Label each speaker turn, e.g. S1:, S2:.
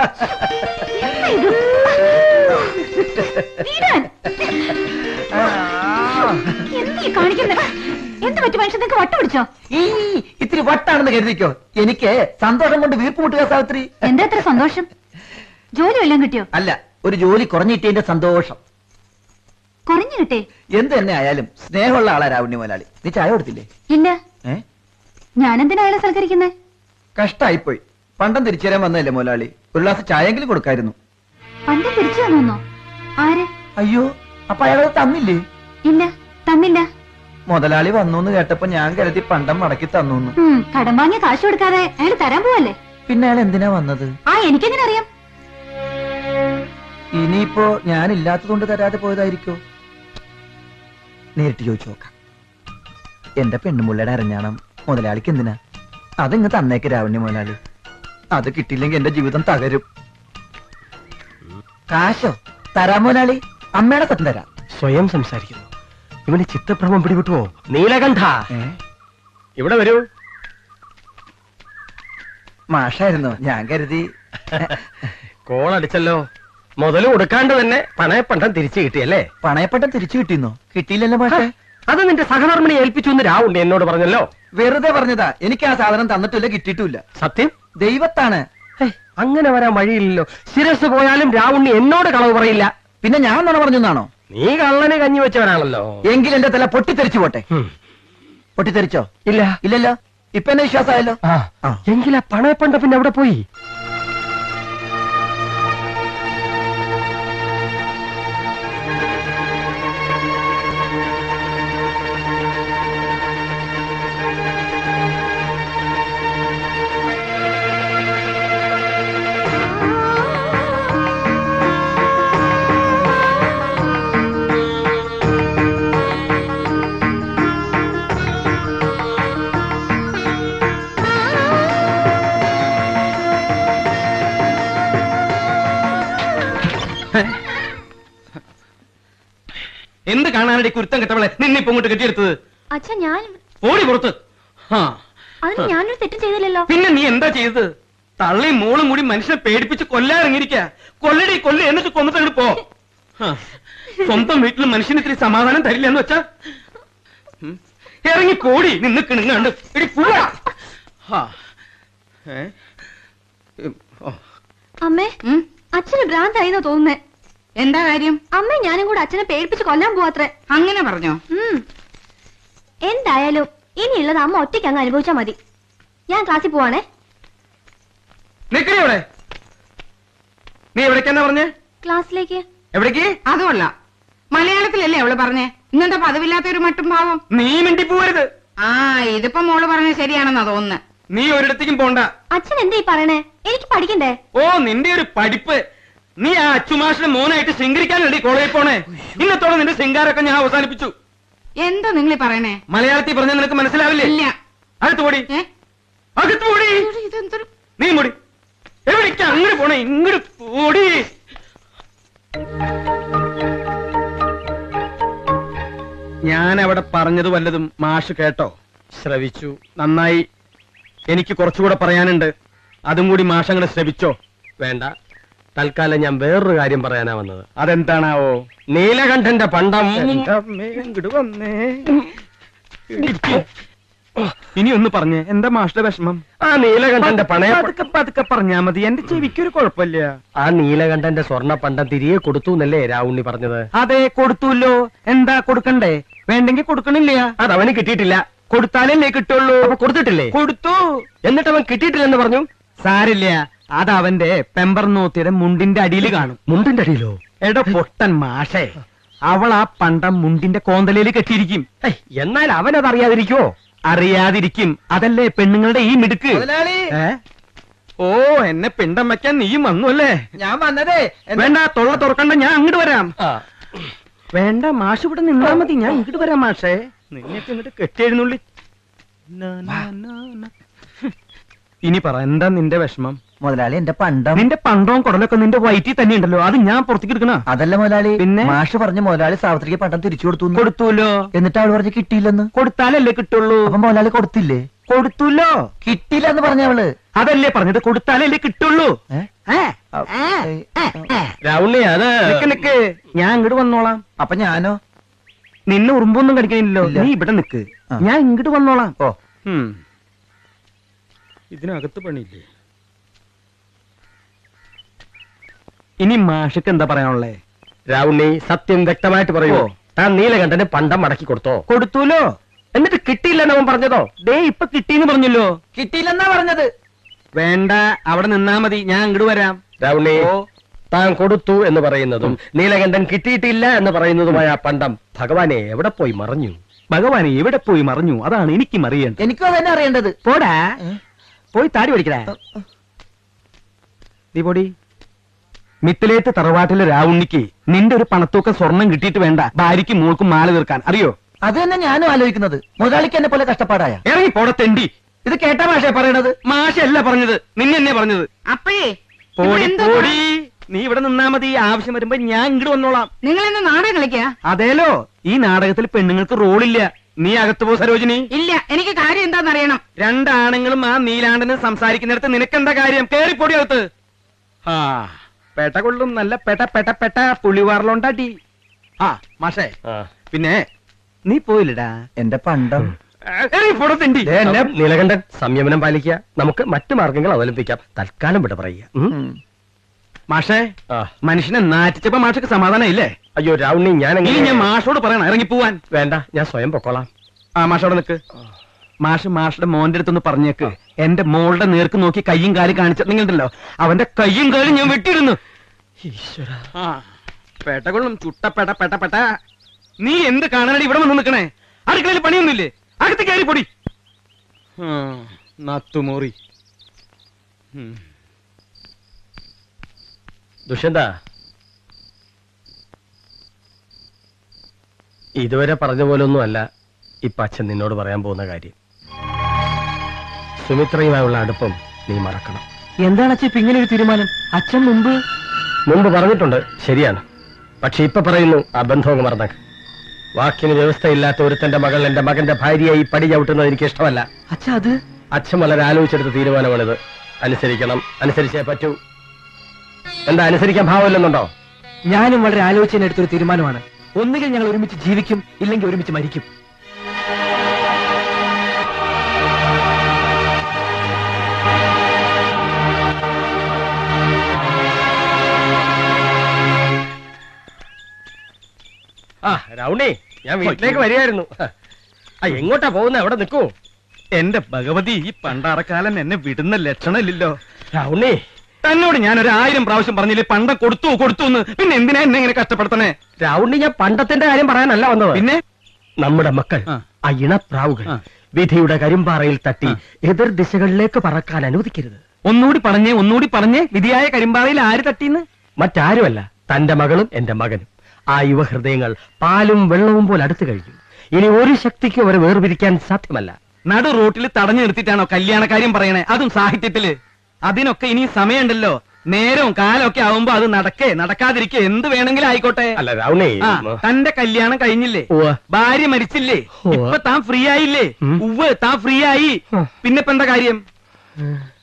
S1: എന്ത് പറ്റി മനുഷ്യൻ നിങ്ങൾക്ക് വട്ട പിടിച്ചോ?
S2: ഇത്തിരി വട്ടാണെന്ന് കരുതിക്കോ. എനിക്ക് സന്തോഷം കൊണ്ട് വീർപ്പ് മുട്ടുക സാവിത്രി.
S1: എന്താ എത്ര സന്തോഷം? ജോലി വല്ലതും കിട്ടിയോ?
S2: അല്ല, ഒരു ജോലി കുറഞ്ഞിട്ടതിന്റെ സന്തോഷം.
S1: കുറഞ്ഞു കിട്ടേ?
S2: എന്ത് തന്നെ ആയാലും സ്നേഹമുള്ള ആളാ രാവുണ്ണി മുതലാളി. നീ ചായ കൊടുത്തില്ലേ?
S1: ഇല്ല. ഞാനെന്തിനാ അയാളെ സൽക്കരിക്കുന്നേ?
S2: കഷ്ടായിപ്പോയി. പണ്ടം തിരിച്ചു തരാൻ വന്നതല്ലേ മുതലാളി, ഒരു ഗ്ലാസ് ചായെങ്കിലും കൊടുക്കായിരുന്നു.
S1: പണ്ടം തിരിച്ചു തന്നോ? ആര്?
S2: അയ്യോ, അപ്പൊ അയാളത് തന്നില്ലേ?
S1: ഇല്ല, തന്നില്ല.
S2: മുതലാളി വന്നു കേട്ടപ്പോ ഞാൻ കരുതി പണ്ടം മടക്കി തന്നു.
S1: കടം വാങ്ങിയ കാശ് കൊടുക്കാതെ അയാൾ തരാൻ പോവല്ലേ? പിന്നെ
S2: അയാൾ എന്തിനാ വന്നത്?
S1: എനിക്കെങ്ങനെ അറിയാം?
S2: ഇനിയിപ്പോ ഞാനില്ലാത്തതുകൊണ്ട് തരാതെ പോയതായിരിക്കോ? നേരിട്ട് ചോദിച്ചു നോക്കാം. എന്റെ പെണ്ണുമുള്ളയുടെ അരഞ്ഞാണം മുതലാളിക്ക് എന്തിനാ? അതിങ്ങ് തന്നേക്ക് രാവണ്യ മുതലാളി. അത് കിട്ടിയില്ലെങ്കിൽ എന്റെ ജീവിതം തകരും. കാശോ തരാം മുതലാളി, അമ്മയുടെ സത്യം തരാം.
S3: സ്വയം സംസാരിക്കുന്നു. ഇവന് ചിത്തഭ്രമം പിടിവിട്ടുവോ? നീലകണ്ഠ, ഇവിടെ വരൂ.
S2: മാഷായിരുന്നു, ഞാൻ കരുതി.
S3: കോളടിച്ചല്ലോ. മുതല് കൊടുക്കാണ്ട് തന്നെ പണയപ്പണ്ടം തിരിച്ചു കിട്ടിയല്ലേ?
S2: പണയപ്പണ്ടം തിരിച്ചു കിട്ടിയെന്നോ? കിട്ടിയില്ലല്ലോ മാഷേ.
S3: അത് നിന്റെ സഹധർമ്മിണി ഏൽപ്പിച്ചു എന്ന് രാവുണ്ണി എന്നോട് പറഞ്ഞല്ലോ.
S2: വെറുതെ പറഞ്ഞതാ. എനിക്ക് ആ സാധനം തന്നിട്ടില്ല, കിട്ടിയിട്ടില്ല.
S3: സത്യം
S2: ദൈവത്താണ്.
S3: അങ്ങനെ വരാൻ വഴിയില്ലല്ലോ. ശിരസ് പോയാലും രാവുണ്ണി എന്നോട് കളവ് പറയില്ല.
S2: പിന്നെ ഞാൻ നുണ പറഞ്ഞാണോ?
S3: നീ കള്ളന് കഞ്ഞി വെച്ചവനാണല്ലോ.
S2: എങ്കിൽ എന്റെ തല പൊട്ടിത്തെറിച്ചു പോട്ടെ. പൊട്ടിത്തെറിച്ചോ?
S3: ഇല്ല.
S2: ഇല്ലല്ലോ. ഇപ്പൊ എന്നെ വിശ്വാസമായല്ലോ.
S3: എങ്കിലാ പണയപ്പണ്ടം പിന്നെ എവിടെ പോയി?
S4: എന്ത് കാണാനടി കുരുത്തം കെട്ടവളെ നിന്നിപ്പോ ഇങ്ങോട്ട് കെട്ടിയെടുത്തത്?
S1: അച്ഛാ, ഞാൻ
S4: ഓടി പുറത്ത്.
S1: അതിന് ഞാനൊരു തെറ്റും ചെയ്തില്ലല്ലോ.
S4: പിന്നെ നീ എന്താ ചെയ്തത്? തള്ളിയും മോളും കൂടി മനുഷ്യനെ പേടിപ്പിച്ച് കൊല്ലാറിങ്ങിരിക്ക. കൊല്ലടി കൊല്ല, എന്നിട്ട് കൊന്നിട്ട് പോ. സ്വന്തം വീട്ടിൽ മനുഷ്യന് ഇത്തിരി സമാധാനം തരില്ല എന്ന് വെച്ചാ ഇറങ്ങി പോടി. നിന്ന് കിണുങ്ങാണ്ട്
S1: അമ്മേ, അച്ഛന് ഭ്രാന്തായിന്നോ തോന്നുന്നേ. എന്താ കാര്യം? അമ്മ ഞാനും കൂടെ അച്ഛനെ പേടിപ്പിച്ച് കൊല്ലാൻ പോവാത്രേ. അങ്ങനെ പറഞ്ഞോ? എന്തായാലും ഇനിയുള്ളത് അമ്മ ഒറ്റയ്ക്ക് അങ്ങ് അനുഭവിച്ചാ മതി. ഞാൻ ക്ലാസ്സിൽ പോവാണേ.
S4: നിക്കടെ. നീ എവിടേക്കെന്നാ പറഞ്ഞേ?
S1: ക്ലാസ്സിലേക്ക്.
S4: എവിടേക്ക്?
S5: അതുമല്ല, മലയാളത്തിലല്ലേ അവള് പറഞ്ഞേ. ഇന്നെന്താ പതിവില്ലാത്ത ഒരു മട്ടും ഭാവം?
S4: നീ മിണ്ടി പോവരുത്.
S5: ഇതിപ്പോ മോള് പറഞ്ഞത് ശരിയാണെന്നാ തോന്നുന്നു.
S4: നീ ഒരിടത്തേക്കും പോണ്ട.
S1: അച്ഛൻ എന്താ ഈ പറയണേ? എനിക്ക് പഠിക്കണ്ടേ?
S4: നിന്റെ ഒരു പഠിപ്പ്. നീ ആ അച്ചുമാഷിന്റെ മോനായിട്ട് ശൃംഗരിക്കാനല്ലേ കോളേജിൽ പോണേ? ഇന്നത്തോടെ നിന്റെ ശൃംഗാരൊക്കെ ഞാൻ അവസാനിപ്പിച്ചു.
S5: എന്താ നിങ്ങൾ പറയണേ?
S4: മലയാളത്തിൽ പറഞ്ഞാൽ നിനക്ക് മനസ്സിലാവില്ലേ?
S5: ഇല്ല.
S4: അകത്തുപോടി, അകത്തുപോടി. നീ മുടി. എവിടേക്ക് അങ്ങോട്ട് പോണേ? ഇങ്ങോട്ട് പോടി. ഞാൻ അവിടെ പറഞ്ഞത് വല്ലതും മാഷ് കേട്ടോ?
S3: ശ്രവിച്ചു.
S4: നന്നായി. എനിക്ക് കുറച്ചുകൂടെ പറയാനുണ്ട്. അതും കൂടി മാഷങ്ങളെ ശ്രവിച്ചോ?
S3: വേണ്ട, തൽക്കാലം ഞാൻ വേറൊരു കാര്യം പറയാനാ വന്നത്.
S4: അതെന്താണാവോ?
S3: നീലകണ്ഠന്റെ പണ്ടം.
S4: ഇനി ഒന്ന് പറഞ്ഞേ, എന്താ മാഷിന്റെ വിഷമം?
S3: ആ നീലകണ്ഠന്റെ പണയം
S4: പതുക്കെ പറഞ്ഞാ മതി, എന്റെ ചെവിക്കൊരു കുഴപ്പമില്ല.
S3: ആ നീലകണ്ഠന്റെ സ്വർണ്ണ പണ്ടം തിരികെ കൊടുത്തു എന്നല്ലേ രാവുണ്ണി പറഞ്ഞത്?
S4: അതെ, കൊടുത്തുല്ലോ. എന്താ കൊടുക്കണ്ടേ? വേണ്ടെങ്കിൽ കൊടുക്കണില്ല.
S3: അതവന് കിട്ടിയിട്ടില്ല.
S4: കൊടുത്താലല്ലേ കിട്ടുള്ളൂ.
S3: അപ്പൊ കൊടുത്തിട്ടില്ലേ?
S4: കൊടുത്തു.
S3: എന്നിട്ട് അവൻ കിട്ടിയിട്ടില്ലെന്ന് പറഞ്ഞു.
S4: സാരില്ല, അത് അവന്റെ പെമ്പർനോത്തിയുടെ മുണ്ടിന്റെ അടിയിൽ കാണും.
S3: മുണ്ടിന്റെ അടിയിലോ?
S4: എടോ പൊട്ടൻ മാഷേ, അവൾ ആ പണ്ടം മുണ്ടിന്റെ കോന്തലയിൽ കെട്ടിയിരിക്കും.
S3: എന്നാൽ അവനത് അറിയാതിരിക്കുവോ?
S4: അറിയാതിരിക്കും. അതല്ലേ പെണ്ണുങ്ങളുടെ ഈ മിടുക്ക്. എന്നെ പിണ്ടം വെക്കാൻ നീയും വന്നു അല്ലേ?
S2: ഞാൻ വന്നതേ.
S4: വേണ്ട, തൊള്ള തുറക്കണ്ട, ഞാൻ അങ്ങോട്ട് വരാം. വേണ്ട, മാഷ് ഇവിടെ നിന്നാ മതി, ഞാൻ ഇങ്ങോട്ട് വരാം. മാഷേ, നിന്നെയൊക്കെ ഇങ്ങോട്ട് കെട്ടിയെഴുന്നള്ളി. ഇനി പറ, എന്താ നിന്റെ വിഷമം?
S2: മുതലാളി, എന്റെ പണ്ടം.
S4: നിന്റെ പണ്ടവും കുടലൊക്കെ നിന്റെ വയറ്റിൽ തന്നെ ഉണ്ടല്ലോ, അത് ഞാൻ പുറത്തേക്ക് എടുക്കണ?
S2: അതല്ല മുതലാളി,
S4: പിന്നെ
S2: മാഷ് പറഞ്ഞ മുതലാളി സാവിത്രിക്ക് പണ്ടം തിരിച്ചു കൊടുത്തു.
S4: കൊടുത്തൂല്ലോ.
S2: എന്നിട്ട് അവൾ പറഞ്ഞ് കിട്ടിയില്ലെന്ന്.
S4: കൊടുത്താലല്ലേ കിട്ടുള്ളൂ.
S2: അപ്പൊ മുതലാളി കൊടുത്തില്ലേ?
S4: കൊടുത്തല്ലോ.
S2: കിട്ടിയില്ല എന്ന് പറഞ്ഞവള്.
S4: അതല്ലേ പറഞ്ഞത്, കൊടുത്താലല്ലേ കിട്ടുള്ളൂ.
S3: രാവുണ്ണി അത്
S4: നിക്ക് ഞാൻ ഇങ്ങോട്ട് വന്നോളാം.
S2: അപ്പൊ ഞാനോ?
S4: നിന്നെ ഉറുമ്പൊന്നും കടിക്കാനില്ലല്ലോ, നീ ഇവിടെ നിക്ക്, ഞാൻ ഇങ്ങോട്ട് വന്നോളാം.
S2: ഓ
S4: ഇതിനകത്ത് പണിയില്ലേ? ഇനി മാഷക്ക് എന്താ പറയാനുള്ളേ?
S3: രാവുണ്ണി സത്യം വ്യക്തമായിട്ട് പറയൂ. താൻ നീലകണ്ഠന് പണ്ടം മടക്കി കൊടുത്തോ?
S4: കൊടുത്തൂലോ.
S3: എന്നിട്ട് കിട്ടിയില്ലെന്ന് അവൻ പറഞ്ഞതോ?
S4: ദേ ഇപ്പൊ കിട്ടീന്ന് പറഞ്ഞല്ലോ.
S2: കിട്ടിയില്ലെന്നാ പറഞ്ഞത്.
S4: വേണ്ട, അവിടെ നിന്നാ മതി, ഞാൻ ഇങ്ങോട്ട് വരാം.
S3: രാവുണ്ണി, താൻ കൊടുത്തു എന്ന് പറയുന്നതും നീലകണ്ഠൻ കിട്ടിയിട്ടില്ല എന്ന് പറയുന്നതുമായ ആ പണ്ടം ഭഗവാനെ എവിടെ പോയി മറഞ്ഞു?
S4: ഭഗവാനെ എവിടെ പോയി മറഞ്ഞു? അതാണ് എനിക്കും അറിയേണ്ടത്.
S2: എനിക്കും അതന്നെ അറിയേണ്ടത്.
S4: പോടാ, പോയി താടി പഠിക്കടേ. നീ പൊടി. മിത്തിലേത്ത് തറവാട്ടിലെ രാവുണ്ണിക്ക് നിന്റെ ഒരു പണത്തൂക്കം സ്വർണം കിട്ടിയിട്ട് വേണ്ട ഭാര്യയ്ക്ക് മോൾക്കും മാല തീർക്കാൻ, അറിയോ?
S2: അത് തന്നെ ഞാനും ആലോചിക്കുന്നത്. മുതലാളിക്ക് എന്നെ പോലെ കഷ്ടപ്പാടായ.
S4: ഇറങ്ങി പോടെ തെണ്ടി.
S2: ഇത് കേട്ടാ മാഷേ പറയണത്?
S4: മാഷല്ല പറഞ്ഞത്, നിന്നെ എന്നെ പറഞ്ഞത്.
S5: അപ്പഴേ
S4: പോടി പോടി, നീ ഇവിടെ നിന്നാ മതി, ആവശ്യം വരുമ്പോ ഞാൻ ഇങ്ങോട്ട് വന്നോളാം.
S5: നിങ്ങൾ ഇന്ന് നാടകം കളിക്കാ?
S4: അതേലോ, ഈ നാടകത്തിൽ പെണ്ണുങ്ങൾക്ക് റോളില്ല. നീ അകത്ത് പോ സരോജിനി.
S5: ഇല്ല, എനിക്ക് കാര്യം എന്താണെന്നറിയണം.
S4: രണ്ടാണുങ്ങളും ആ നീലാണ്ടനും സംസാരിക്കുന്നിടത്ത് നിനക്കെന്താ കാര്യം? കേറിപ്പൊടി അകത്ത്. ആ പെട്ട കൊള്ളും, നല്ല പെട്ട പെട്ട പെട്ട പുള്ളിവാറിലോണ്ടാട്ടി. ആ മാഷേ, പിന്നെ നീ പോയില്ലടാ
S2: എന്റെ പണ്ടം.
S4: പുറത്തിണ്ടി.
S3: നീലകണ്ഠൻ, സംയമനം പാലിക്കുക. നമുക്ക് മറ്റു മാർഗങ്ങൾ അവലംബിക്കാം. തൽക്കാലം വിട പറയുക.
S4: മാഷേ, മനുഷ്യനെ നാറ്റിച്ചപ്പോ മാഷക്ക് സമാധാനം ഇല്ലേ?
S3: അയ്യോ രാവുണ്ണി,
S4: ഞാൻ മാഷോട് പറയണം ഇറങ്ങി പോവാൻ.
S3: വേണ്ട, ഞാൻ സ്വയം പൊക്കോളാം.
S4: മാഷോടെ നിക്ക്. മാഷുടെ മോന്റെ അടുത്തൊന്ന് പറഞ്ഞേക്ക്, എന്റെ മോളുടെ നേർക്ക് നോക്കി കയ്യും കാലും കാണിച്ചിട്ടുണ്ടെങ്കിലോ അവന്റെ കയ്യും കാലും ഞാൻ വെട്ടിയിരുന്നു.
S3: ഈശ്വര,
S4: പെട്ടകൊള്ളും ചുട്ട പെട്ട പെട്ട പെട്ട. നീ എന്ത് കാണാനടി ഇവിടെ വന്ന് നിക്കണേ? അടുക്കളയിൽ പണിയൊന്നുമില്ലേ? അകത്ത് കയറി പൊടി. നത്തുമോറി.
S3: ദുഷ്യന്ത, ഇതുവരെ പറഞ്ഞ പോലൊന്നുമല്ല ഇപ്പൊ അച്ഛൻ നിന്നോട് പറയാൻ പോകുന്ന കാര്യം. സുമിത്രയുമായുള്ള അടുപ്പം നീ മറക്കണം.
S4: എന്താണ് അച്ഛൻ ഇപ്പൊ ഇങ്ങനെ ഒരു തീരുമാനം? അച്ഛൻ മുമ്പ്
S3: പറഞ്ഞിട്ടുണ്ട്, ശരിയാണ്. പക്ഷെ ഇപ്പൊ പറയുന്നു, ആ ബന്ധവും മറന്നേക്ക്. വാക്കിന് വ്യവസ്ഥയില്ലാത്ത ഒരുത്തന്റെ മകൾ എന്റെ മകന്റെ ഭാര്യയായി പടി ചവിട്ടുന്നത് എനിക്ക് ഇഷ്ടമല്ല. അച്ഛൻ വളരെ ആലോചിച്ചെടുത്ത തീരുമാനമാണിത്. അനുസരിക്കണം, അനുസരിച്ചേ പറ്റൂ. എന്താ അനുസരിക്കാൻ ഭാവമില്ലെന്നുണ്ടോ?
S2: ഞാനും വളരെ ആലോചിച്ചെടുത്തൊരു തീരുമാനമാണ്. ഒന്നുകിൽ ഞങ്ങൾ ഒരുമിച്ച് ജീവിക്കും, ഇല്ലെങ്കിൽ ഒരുമിച്ച് മരിക്കും.
S3: രാവുണ്ണി, ഞാൻ വീട്ടിലേക്ക് വരികയായിരുന്നു. എങ്ങോട്ടാ പോകുന്ന? എവിടെ നിൽക്കൂ.
S4: എന്റെ ഭഗവതി, ഈ പണ്ടാറക്കാലൻ എന്നെ വിടുന്ന ലക്ഷണമില്ലല്ലോ.
S3: രാവുണ്ണി,
S4: തന്നോട് ഞാൻ 1000 പ്രാവശ്യം പറഞ്ഞില്ലേ പണ്ടം കൊടുത്തു കൊടുത്തു എന്ന്. പിന്നെ എന്തിനാ എന്നെ ഇങ്ങനെ കഷ്ടപ്പെടുത്തണേ?
S3: രാവുണ്ണി, ഞാൻ പണ്ടത്തിന്റെ കാര്യം പറയാനല്ല വന്നത്.
S4: പിന്നെ
S3: നമ്മുടെ മക്കൾ, ആ ഇണപ്രാവുകൾ വിധിയുടെ കരിമ്പാറയിൽ തട്ടി എതിർ ദിശകളിലേക്ക് പറക്കാൻ അനുവദിക്കരുത്.
S4: ഒന്നുകൂടി പറഞ്ഞേ. വിധിയായ കരിമ്പാറയിൽ ആര് തട്ടിന്ന്?
S3: മറ്റാരുമല്ല, തന്റെ മകളും എന്റെ മകനും. ആ യുവഹൃദയങ്ങൾ പാലും വെള്ളവും പോലെ അടുത്തു കഴിഞ്ഞു. ഇനി ഒരു ശക്തിക്ക് അവരെ വേർപിരിക്കാൻ സാധ്യമല്ല.
S4: നടു റോട്ടിൽ തടഞ്ഞു നിർത്തിയിട്ടാണോ കല്യാണക്കാര്യം പറയണേ? അതും സാഹിത്യത്തില്. അതിനൊക്കെ ഇനി സമയമുണ്ടല്ലോ. നേരവും കാലമൊക്കെ ആവുമ്പോ അത് നടക്കാതിരിക്കെ എന്ത് വേണമെങ്കിലും ആയിക്കോട്ടെ.
S3: അല്ല രാവുണ്ണി,
S4: തന്റെ കല്യാണം കഴിഞ്ഞില്ലേ? ഭാര്യ മരിച്ചില്ലേ? ഇപ്പൊ താൻ ഫ്രീ ആയില്ലേ? താൻ ഫ്രീ ആയി. പിന്നെപ്പെന്താ കാര്യം?